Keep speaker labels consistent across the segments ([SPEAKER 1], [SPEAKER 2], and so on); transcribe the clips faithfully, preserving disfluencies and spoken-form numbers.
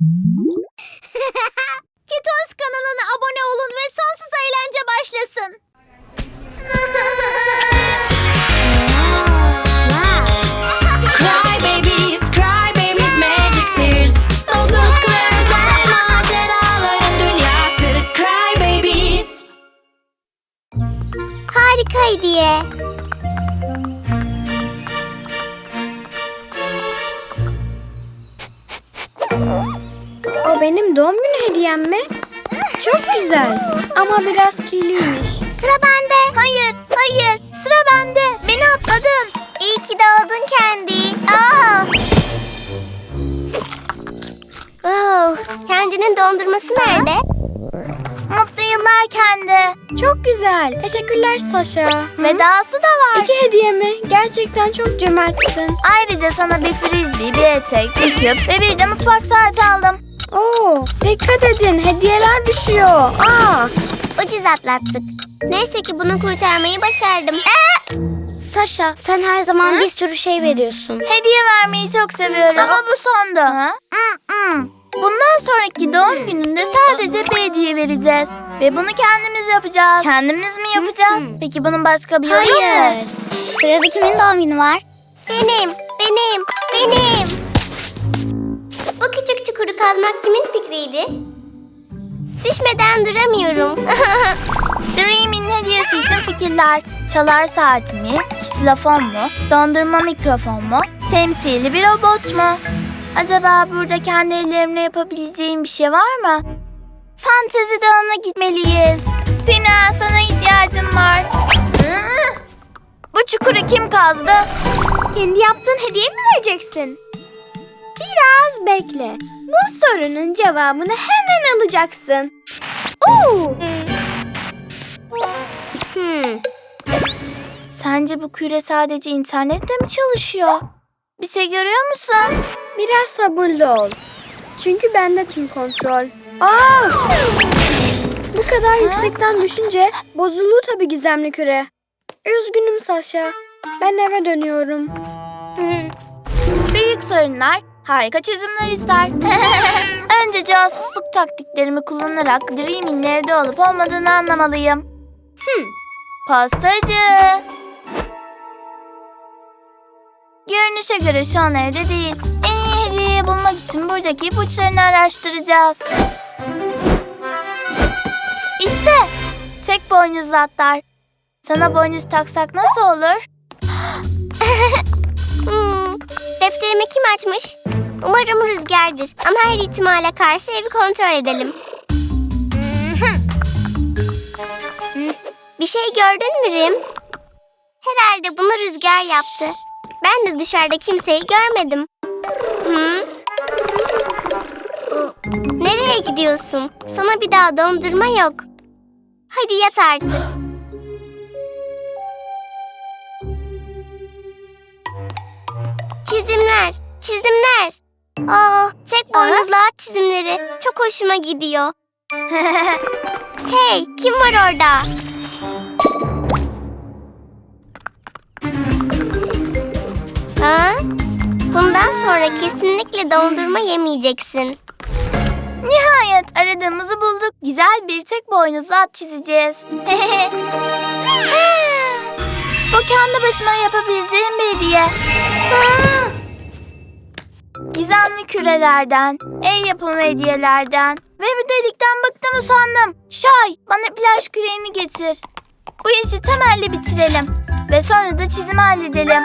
[SPEAKER 1] Kitos kanalına abone olun ve sonsuz eğlence başlasın.
[SPEAKER 2] Cry babies, cry babies, magic tears. Dostlukların ve maceraların dünyası. Cry babies.
[SPEAKER 1] Harika hediye.
[SPEAKER 3] O benim doğum günü hediyem mi? Çok güzel ama biraz kirliymiş.
[SPEAKER 1] Sıra bende. Hayır, hayır. Sıra bende. Beni atladın. İyi ki doğdun Kendi. Aa. Oh, Kendi'nin dondurması nerede? Mutlu yıllar Kendi.
[SPEAKER 3] Çok güzel. Teşekkürler Saşa.
[SPEAKER 1] Ve dahası da var.
[SPEAKER 3] İki hediye mi? Gerçekten çok cömertsin.
[SPEAKER 1] Ayrıca sana bir frisbee, bir etek, bir küp ve bir de mutfak saati aldım.
[SPEAKER 3] Oo, dikkat edin. Hediyeler düşüyor. Aa,
[SPEAKER 1] Ucuz atlattık. Neyse ki bunu kurtarmayı başardım. Ee!
[SPEAKER 3] Saşa, sen her zaman bir sürü şey veriyorsun.
[SPEAKER 1] Hediye vermeyi çok seviyorum. Ama bu sondu. Mm-mm. Bundan sonraki doğum gününde sadece bir hediye vereceğiz. Ve bunu kendimiz yapacağız. Kendimiz mi yapacağız? Peki bunun başka bir yolu mu?
[SPEAKER 3] Hayır.
[SPEAKER 1] Sırada kimin doğum günü var? Benim, benim, benim. Bu küçük çukuru kazmak kimin fikriydi? Düşmeden duramıyorum. Dream'in hediyesi için fikirler. Çalar saat mi? Ksilofon mu? Dondurma mikrofon mu? Şemsiyeli bir robot mu? Acaba burada kendi ellerimle yapabileceğim bir şey var mı? Fantezi dağına gitmeliyiz. Tina, sana ihtiyacım var. Bu çukuru kim kazdı?
[SPEAKER 3] Kendi yaptığın hediye mi vereceksin? Biraz bekle. Bu sorunun cevabını hemen alacaksın. Oo!
[SPEAKER 1] Hmm. Sence bu küre sadece internetle mi çalışıyor? Bir şey görüyor musun?
[SPEAKER 3] Biraz sabırlı ol. Çünkü bende tüm kontrol. Aa! Bu kadar yüksekten düşünce bozuldu tabii gizemli küre. Üzgünüm Saşa. Ben eve dönüyorum.
[SPEAKER 1] Büyük sorunlar harika çözümler ister. Önce casusluk taktiklerimi kullanarak Dream'in evde olup olmadığını anlamalıyım. Hmm. Pastacı. Görünüşe göre şu an evde değil. En iyi hediyeyi bulmak için buradaki ipuçlarını araştıracağız. İşte tek boynuzlu atlar. Sana boynuz taksak nasıl olur? hmm, defterimi kim açmış? Umarım Rüzgar'dır. Ama her ihtimale karşı evi kontrol edelim. Bir şey gördün mü Rim? Herhalde bunu Rüzgar yaptı. Ben de dışarıda kimseyi görmedim. Hı? Nereye gidiyorsun? Sana bir daha dondurma yok. Hadi yat artık. Çizimler, çizimler. Aa, tek boynuzlu at çizimleri. Çok hoşuma gidiyor. Hey, kim var orada? Ha? Bundan sonra kesinlikle dondurma yemeyeceksin. Nihayet aradığımızı bulduk. Güzel bir tek boynuzlu at çizeceğiz. Bu kendi başıma yapabileceğim bir hediye. Gizemli kürelerden, el yapımı hediyelerden ve bu delikten bıktım usandım. Şay, bana plaj küreğini getir. Bu işi temelli bitirelim ve sonra da çizimi halledelim.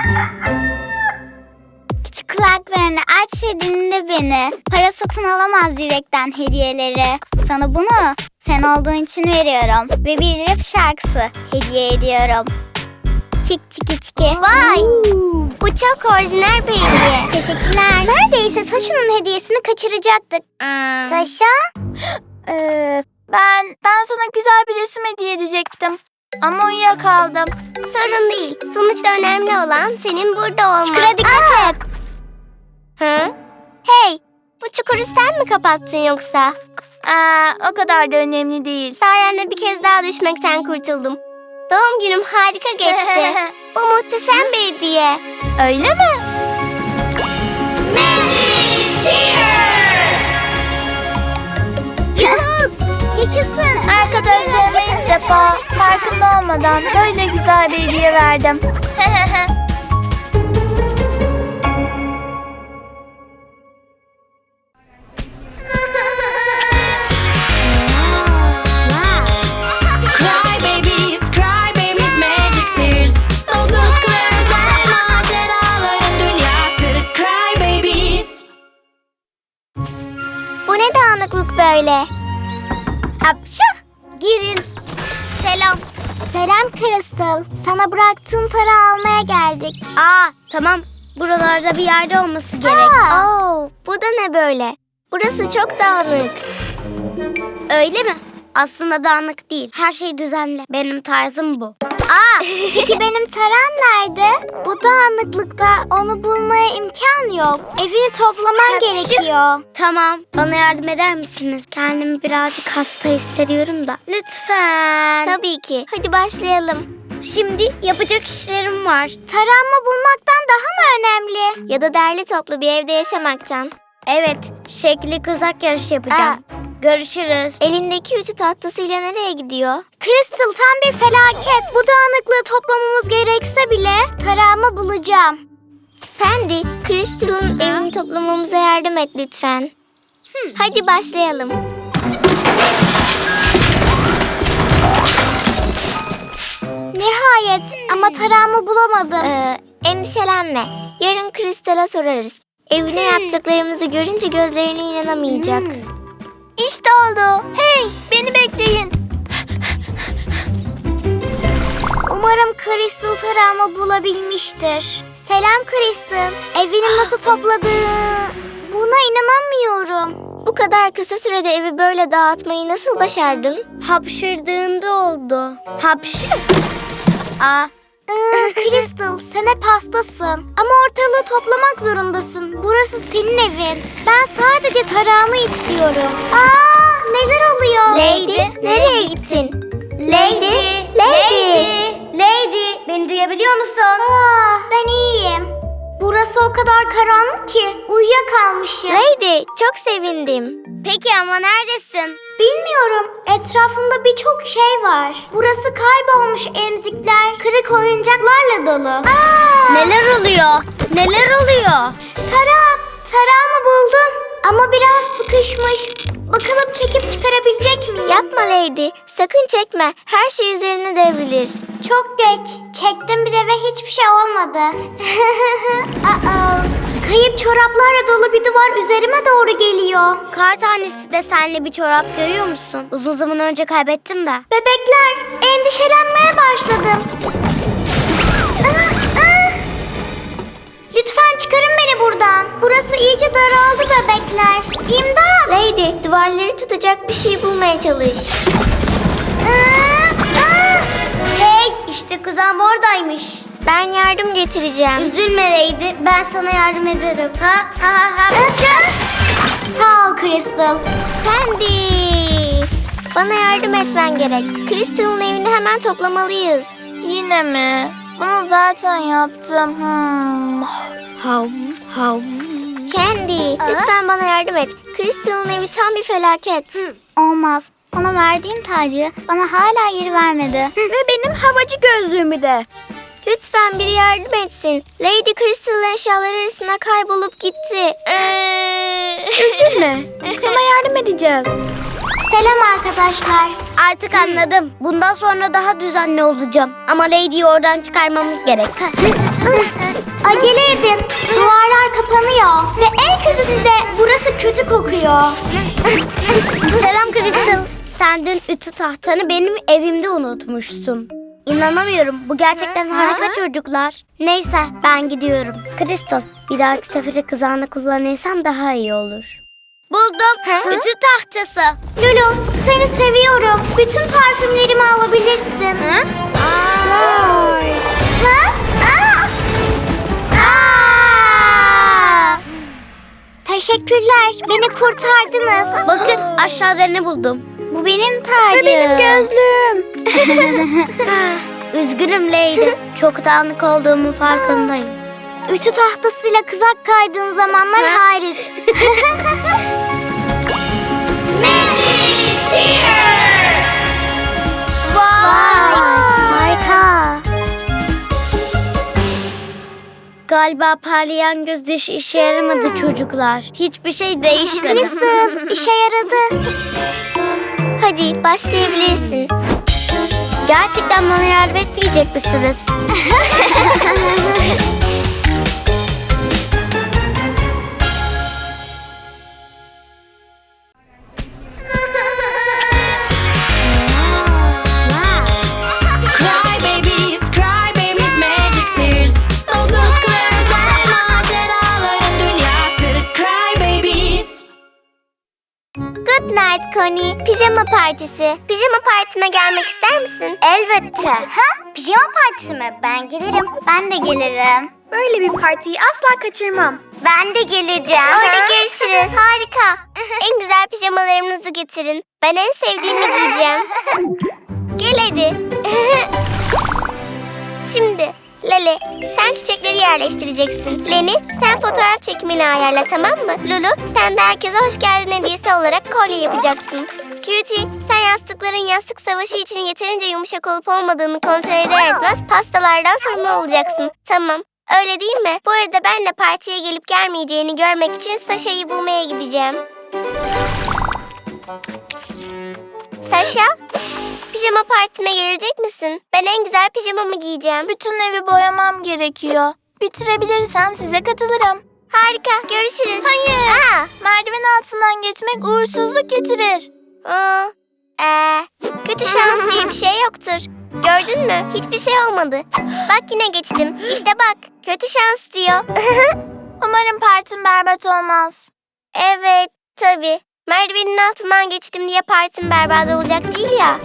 [SPEAKER 4] Küçük kulaklarını aç ve dinle beni. Para satın alamaz yürekten hediyeleri. Sana bunu sen olduğun için veriyorum. Ve bir rap şarkısı hediye ediyorum. Çik çiki çiki.
[SPEAKER 1] Vay! Bu çok orijinal bir hediye.
[SPEAKER 4] Teşekkürler.
[SPEAKER 1] Neredeyse Saşa'nın hediyesini kaçıracaktık.
[SPEAKER 4] Hmm.
[SPEAKER 1] Saşa? Ee, ben ben sana güzel bir resim hediye edecektim. Ama uyuyakaldım. Sorun değil. Sonuçta önemli olan senin burada olman.
[SPEAKER 4] Çukura dikkat et.
[SPEAKER 1] Hı? Hey, bu çukuru sen mi kapattın yoksa? Aa, o kadar da önemli değil. Sayende bir kez daha düşmekten kurtuldum. Doğum günüm harika geçti. Bu muhteşem bir hediye. Öyle mi? Magic Tears!
[SPEAKER 3] sormadan böyle güzel bir hediye verdim.
[SPEAKER 2] Cry babies, cry babies, magic tears. Dostluk ve özel maceraların dünyası. Cry babies.
[SPEAKER 1] Bu ne dağınıklık böyle? Hapşa! Girin. Selam. Selam Crystal. Sana bıraktığım tarağı almaya geldik. Aa, tamam. Buralarda bir yerde olması gerek. Oo, bu da ne böyle? Burası çok dağınık. Öyle mi? Aslında dağınık değil. Her şey düzenli. Benim tarzım bu. Aa, peki benim tarağım nerede? Bu dağınıklıkta onu bulmaya imkan yok. Evini toplaman gerekiyor. Tamam. Bana yardım eder misiniz? Kendimi birazcık hasta hissediyorum da. Lütfen. Tabii ki. Hadi başlayalım. Şimdi yapacak işlerim var. Tarağımı bulmaktan daha mı önemli? Ya da derli toplu bir evde yaşamaktan. Evet. Şekli kızak yarışı yapacağım. Görüşürüz. Elindeki ütü tahtasıyla nereye gidiyor? Crystal, tam bir felaket. Bu dağınıklığı toplamamız gerekse bile tarağımı bulacağım. Pendi, Crystal'ın evini toplamamıza yardım et lütfen. Hadi başlayalım. Nihayet, ama tarağımı bulamadım. Ee, endişelenme. Yarın Crystal'a sorarız. Evine yaptıklarımızı görünce gözlerine inanamayacak. İşte oldu. Hey, beni bekleyin. Umarım Crystal tarağımı bulabilmiştir. Selam Crystal. Evini nasıl topladığı... Buna inanamıyorum. Bu kadar kısa sürede evi böyle dağıtmayı nasıl başardın? Hapşırdığında oldu. Hapşı? Aa. Ee, Crystal, sen hep hastasın. Ama ortalığı toplamak zorundasın. Burası senin evin. Ben sadece tarağımı istiyorum. Aa, neler oluyor? Lady, nereye gittin? Lady, Lady, Lady, beni duyabiliyor musun? Aa, ben iyiyim. Burası o kadar karanlık ki uyuyakalmışım. Lady, çok sevindim. Peki ama neredesin? Bilmiyorum. Etrafımda birçok şey var. Burası kaybolmuş emzikler, kırık oyuncaklarla dolu. Aa! Neler oluyor? Neler oluyor? Tarağım, tarağımı buldum. Ama biraz sıkışmış. Bakalım çekip çıkarabilecek miyim? Yapma Lady. Sakın çekme. Her şey üzerine devrilir. Çok geç. Çektim bir de ve hiçbir şey olmadı. Aa, kayıp çoraplarla dolu bir duvar üzerime doğru geliyor. Kar tanesi desenli bir çorap görüyor musun? Uzun zaman önce kaybettim de. Bebekler, endişelenmeye başladım. Ah, ah. Lütfen çıkarın beni buradan. Burası iyice daraldı bebekler. İmdat! Lady, duvarları tutacak bir şey bulmaya çalış. Aa, aa. Hey, işte kızım oradaymış. Ben yardım getireceğim. Üzülme Lady, ben sana yardım ederim. Ha ha ha. Sağ ol Crystal. Pendi, bana yardım etmen gerek. Crystal'ın evini hemen toplamalıyız.
[SPEAKER 3] Yine mi? Bunu zaten yaptım. Hmm.
[SPEAKER 1] Hav hav. Candy, lütfen bana yardım et. Crystal'ın evi tam bir felaket.
[SPEAKER 4] Olmaz. Ona verdiğim tacı bana hala geri vermedi.
[SPEAKER 3] Ve benim havacı gözlüğümü de.
[SPEAKER 1] Lütfen biri yardım etsin. Lady Crystal'ın eşyaları arasında kaybolup gitti.
[SPEAKER 3] Üzülme. Sana yardım edeceğiz.
[SPEAKER 1] Selam arkadaşlar. Artık anladım. Bundan sonra daha düzenli olacağım. Ama Lady'yi oradan çıkarmamız gerek. Acele edin. Duvarlar kapanıyor. Ve en kötüsü de burası kötü kokuyor. Selam Crystal. Sen dün ütü tahtanı benim evimde unutmuşsun. İnanamıyorum. Bu gerçekten harika çocuklar. Neyse, ben gidiyorum. Crystal, bir dahaki sefere kızağını kullanırsan daha iyi olur. Buldum. Ütü tahtası. Lulu, seni seviyorum. Bütün parfümlerimi alabilirsin. Hı? Aa. Ha? Aa. Aa. Teşekkürler. Beni kurtardınız. Bakın, aşağıda ne buldum. Bu benim tacım.
[SPEAKER 3] Ve benim gözlüğüm.
[SPEAKER 1] Üzgünüm Lady. Çok dağınık olduğumun farkındayım. Ütü tahtasıyla kızak kaydığın zamanlar hariç. Magic Tears! Vay! Galiba parlayan gözyaşı işe yaramadı çocuklar. Hiçbir şey değişmedi.
[SPEAKER 4] Crystal, işe yaradı.
[SPEAKER 1] Hadi başlayabilirsin. Gerçekten bana yardım etmeyecek misiniz?
[SPEAKER 2] Cry babies, cry babies, magic tears. Dostlukla özel maceraların dünyası. Cry babies.
[SPEAKER 1] Good night Connie. Pijama partisi. Pijama partime gelmek ister misin?
[SPEAKER 4] Elbette. Ha? Pijama partisi mi? Ben gelirim. Ben de gelirim.
[SPEAKER 3] Böyle bir partiyi asla kaçırmam.
[SPEAKER 1] Ben de geleceğim. Orada görüşürüz. Harika. En güzel pijamalarımızı getirin. Ben en sevdiğimi giyeceğim. Gel hadi. Şimdi Lale, sen çiçekleri yerleştireceksin. Leni, sen fotoğraf çekimini ayarla, tamam mı? Lulu, sen de herkese hoş geldin hediyesi olarak kolye yapacaksın. Cutie, sen yastıkların yastık savaşı için yeterince yumuşak olup olmadığını kontrol eder etmez pastalardan sorumlu olacaksın. Tamam. Öyle değil mi? Bu arada ben de partiye gelip gelmeyeceğini görmek için Sasha'yı bulmaya gideceğim. Sasha, pijama partime gelecek misin? Ben en güzel pijamamı giyeceğim.
[SPEAKER 5] Bütün evi boyamam gerekiyor. Bitirebilirsem size katılırım.
[SPEAKER 1] Harika, görüşürüz.
[SPEAKER 5] Hayır.
[SPEAKER 1] Aa,
[SPEAKER 5] Merdiven altından geçmek uğursuzluk getirir.
[SPEAKER 1] aa, ee, kötü şans diye bir şey yoktur. Gördün mü? Hiçbir şey olmadı. Bak yine geçtim. İşte bak, kötü şans diyor.
[SPEAKER 5] Umarım partim berbat olmaz.
[SPEAKER 1] Evet, tabii. Merdivenin altından geçtim diye partim berbat olacak değil ya.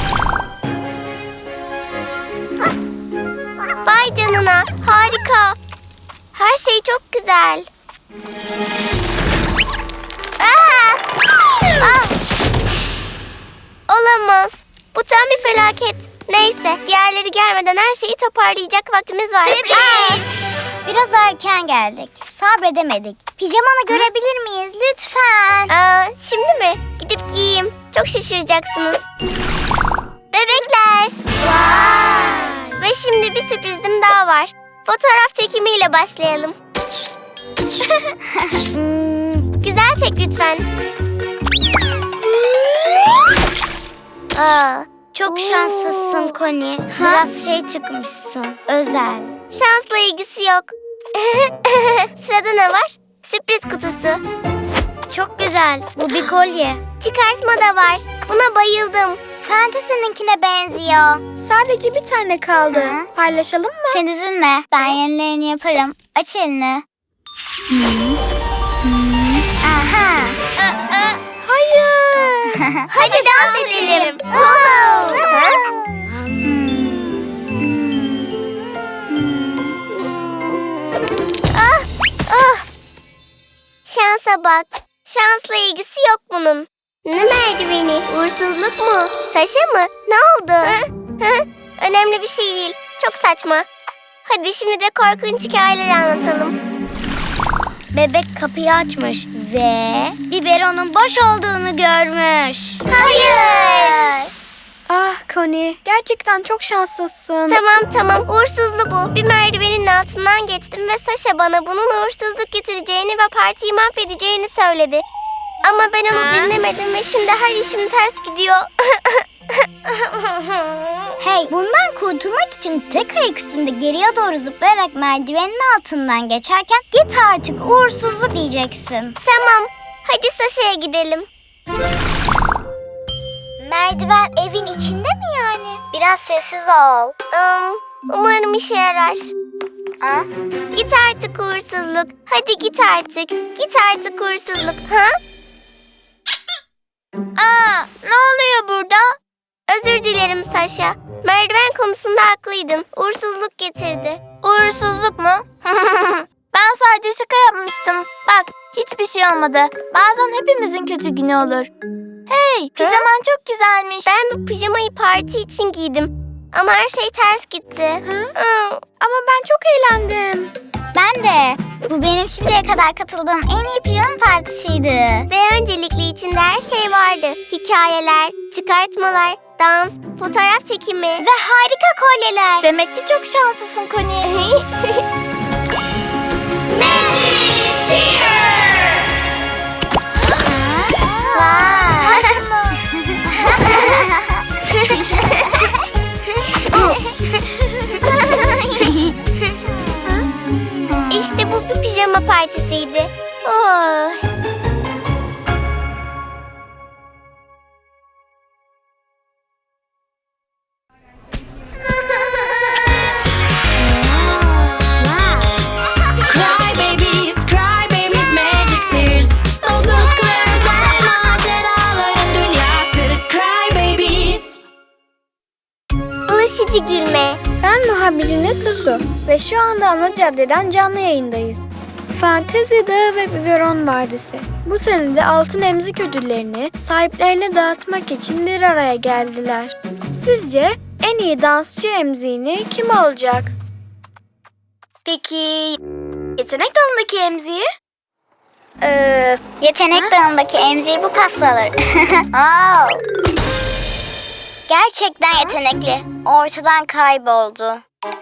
[SPEAKER 1] Vay canına, harika. Her şey çok güzel. Aa! Aa! Olamaz. Bu tam bir felaket. Neyse, diğerleri gelmeden her şeyi toparlayacak vaktimiz var.
[SPEAKER 4] Sürpriz! Biraz erken geldik. Sabredemedik. Pijamanı görebilir miyiz lütfen?
[SPEAKER 1] Aa, şimdi mi? Gidip giyeyim. Çok şaşıracaksınız. Bebekler. Vay. Ve şimdi bir sürprizim daha var. Fotoğraf çekimiyle başlayalım. Hmm, güzel çek lütfen. Aa, çok şanslısın Connie. Biraz şey çıkmışsın. Özel. Şansla ilgisi yok. Sırada ne var? Sürpriz kutusu. Çok güzel. Bu bir kolye. Çıkartma da var. Buna bayıldım.
[SPEAKER 4] Fantasy'ninkine benziyor.
[SPEAKER 3] Sadece bir tane kaldı.
[SPEAKER 4] Hı.
[SPEAKER 3] Paylaşalım mı?
[SPEAKER 4] Sen üzülme. Ben yenilerini yaparım. Aç elini. Aha.
[SPEAKER 3] Hayır.
[SPEAKER 1] Hadi dans edelim. Ah, ah. Şansa bak. Şansla ilgisi yok bunun. Ne merdiveni? Uğursuzluk mu? Taşa mı? Ne oldu? Hı? Hı? Önemli bir şey değil. Çok saçma. Hadi şimdi de korkunç hikayeleri anlatalım. Bebek kapıyı açmış ve biberonun boş olduğunu görmüş. Hayır.
[SPEAKER 3] Ah Connie, gerçekten çok şanslısın.
[SPEAKER 1] Tamam tamam, uğursuzlu bu. Bir merdivenin altından geçtim ve Sasha bana bunun uğursuzluk getireceğini ve partiyi mahvedeceğini söyledi. Ama ben onu dinlemedim ve şimdi her işim ters gidiyor.
[SPEAKER 4] Hey, bundan kurtulmak için tek ayak üstünde geriye doğru zıplayarak merdivenin altından geçerken git artık uğursuzluk diyeceksin.
[SPEAKER 1] Tamam, hadi Sasha'ya gidelim.
[SPEAKER 4] Merdiven evin içinde mi yani? Biraz sessiz ol.
[SPEAKER 1] Um, umarım işe yarar.
[SPEAKER 4] Ha?
[SPEAKER 1] Git artık uğursuzluk. Hadi git artık. Git artık uğursuzluk. Ha?
[SPEAKER 5] Aa, ne oluyor burada?
[SPEAKER 1] Özür dilerim Sasha. Merdiven konusunda haklıydın. Uğursuzluk getirdi.
[SPEAKER 5] Uğursuzluk mu? Ben sadece şaka yapmıştım. Bak, hiçbir şey olmadı. Bazen hepimizin kötü günü olur. Hey, pijaman çok güzelmiş.
[SPEAKER 1] Ben bu pijamayı parti için giydim. Ama her şey ters gitti. Hı?
[SPEAKER 3] Ama ben çok eğlendim.
[SPEAKER 4] Ben de. Bu benim şimdiye kadar katıldığım en iyi pijama partisiydi.
[SPEAKER 1] Ve öncelikle içinde her şey vardı. Hikayeler, çıkartmalar, dans, fotoğraf çekimi.
[SPEAKER 4] Ve harika kolyeler.
[SPEAKER 5] Demek ki çok şanslısın Connie.
[SPEAKER 1] partisiydi. Oh.
[SPEAKER 2] Cry babies, cry babies, magic tears. Bozuklu özel maceraların dünyası. Cry babies.
[SPEAKER 1] Bulaşıcı gülme.
[SPEAKER 3] Ben muhabiriniz Susu ve şu anda ana caddeden canlı yayındayız. Fantezi Dağı ve Biberon Vadisi. Bu sene de altın emzik ödüllerini sahiplerine dağıtmak için bir araya geldiler. Sizce en iyi dansçı emziğini kim alacak? Peki yetenek dalındaki emziği?
[SPEAKER 4] Ee, yetenek dağındaki emziği bu pasta alır. Oh. Gerçekten yetenekli. Ortadan kayboldu.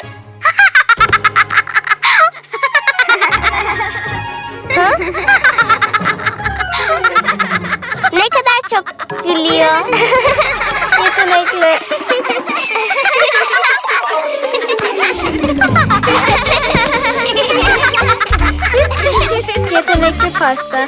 [SPEAKER 1] Ne kadar çok gülüyor.
[SPEAKER 3] Yetenekli. Yetenekli pasta.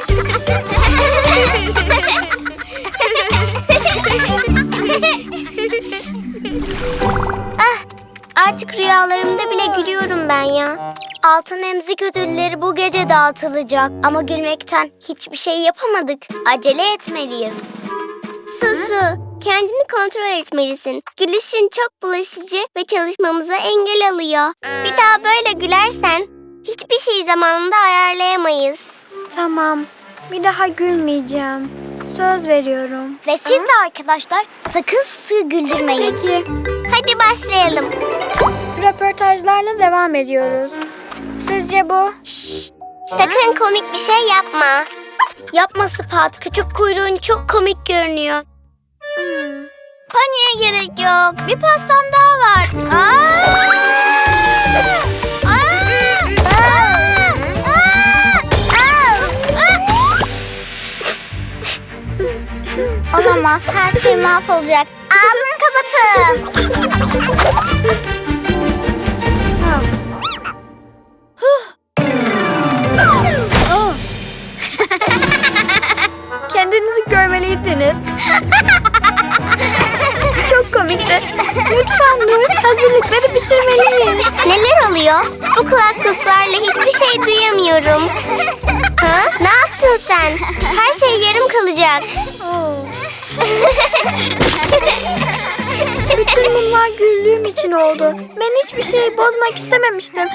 [SPEAKER 1] Artık rüyalarımda bile gülüyorum ben ya. Altın emzik ödülleri bu gece dağıtılacak. Ama gülmekten hiçbir şey yapamadık. Acele etmeliyiz. Susu, kendini kontrol etmelisin. Gülüşün çok bulaşıcı ve çalışmamıza engel alıyor. Bir daha böyle gülersen hiçbir şeyi zamanında ayarlayamayız.
[SPEAKER 3] Tamam. Bir daha gülmeyeceğim. Söz veriyorum.
[SPEAKER 4] Ve siz de arkadaşlar sakın Susu'yu güldürmeyin.
[SPEAKER 3] Peki.
[SPEAKER 1] Hadi başlayalım.
[SPEAKER 3] Röportajlarla devam ediyoruz. Sizce bu?
[SPEAKER 1] Sakın komik bir şey yapma. Yapma Spat. Küçük kuyruğun çok komik görünüyor.
[SPEAKER 3] Hmm.
[SPEAKER 5] Paniğe gerek yok. Bir pastam daha var. Aa! Aa! Aa! Aa!
[SPEAKER 4] Olamaz, her şey mahvolacak. Ağzını kapatın.
[SPEAKER 3] Ha. Oh. Kendinizi görmeliydiniz. Çok komikti. Lütfen dur. Hazırlıkları bitirmeliyiz.
[SPEAKER 1] Neler oluyor? Bu kulaklıklarla hiçbir şey duyamıyorum. Ha? Ne yaptın sen? Her şey yarım kalacak.
[SPEAKER 3] Oh. Bütün bunlar güldüğüm için oldu. Ben hiçbir şey bozmak istememiştim.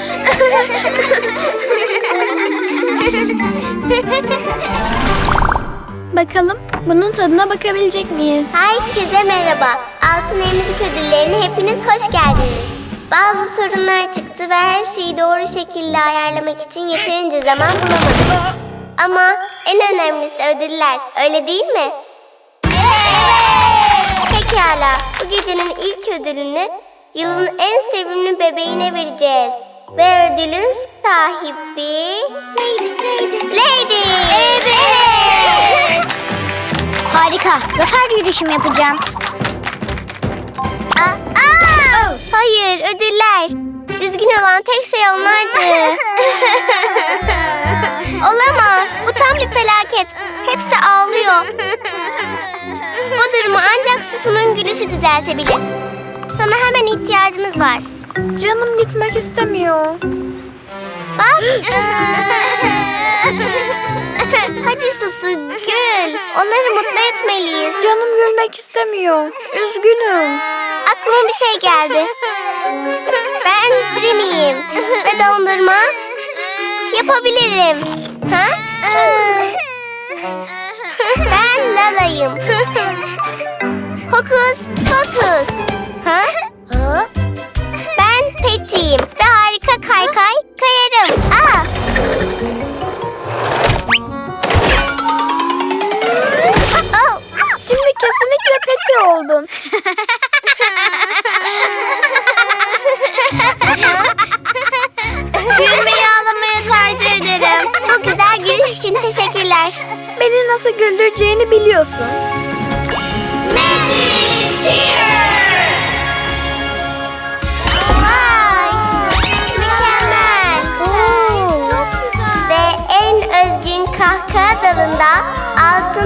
[SPEAKER 3] Bakalım bunun tadına bakabilecek miyiz?
[SPEAKER 1] Herkese merhaba. Altın Emzik ödüllerine hepiniz hoş geldiniz. Bazı sorunlar çıktı ve her şeyi doğru şekilde ayarlamak için yeterince zaman bulamadık. Ama en önemlisi ödüller, öyle değil mi? Pekala, bu gecenin ilk ödülünü yılın en sevimli bebeğine vereceğiz. Ve ödülün sahibi... Lady, Lady. Lady! Evet!
[SPEAKER 4] Harika, zafer yürüyüşüm yapacağım.
[SPEAKER 1] Aa, aa! Hayır, ödüller. Düzgün olan tek şey onlardı. Olamaz, bu tam bir felaket. Hepsi ağlıyor. Bu durumu ancak Susu'nun gülüşü düzeltebilir. Sana hemen ihtiyacımız var.
[SPEAKER 3] Canım gitmek istemiyor.
[SPEAKER 1] Bak. Hadi Susu, gül. Onları mutlu etmeliyiz.
[SPEAKER 3] Canım gülmek istemiyor. Üzgünüm.
[SPEAKER 1] Aklıma bir şey geldi. Ben Dreamy'yim ve dondurma yapabilirim. Ha? Ben Lala'yım. Hokus pokus. Ha? Ben Peti'yim ve harika kaykay kayarım. Aa! Oh!
[SPEAKER 3] Şimdi kesinlikle Peti oldun.
[SPEAKER 1] Gülmeyi ağlamaya tercih ederim. Bu güzel giriş için teşekkürler.
[SPEAKER 3] Beni nasıl güldüreceğini biliyorsun.
[SPEAKER 1] Magic Tears! Vay! Mükemmel!
[SPEAKER 3] Oo.
[SPEAKER 1] Çok güzel. Ve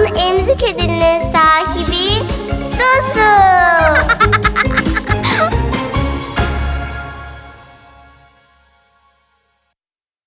[SPEAKER 1] emzik edilini sen.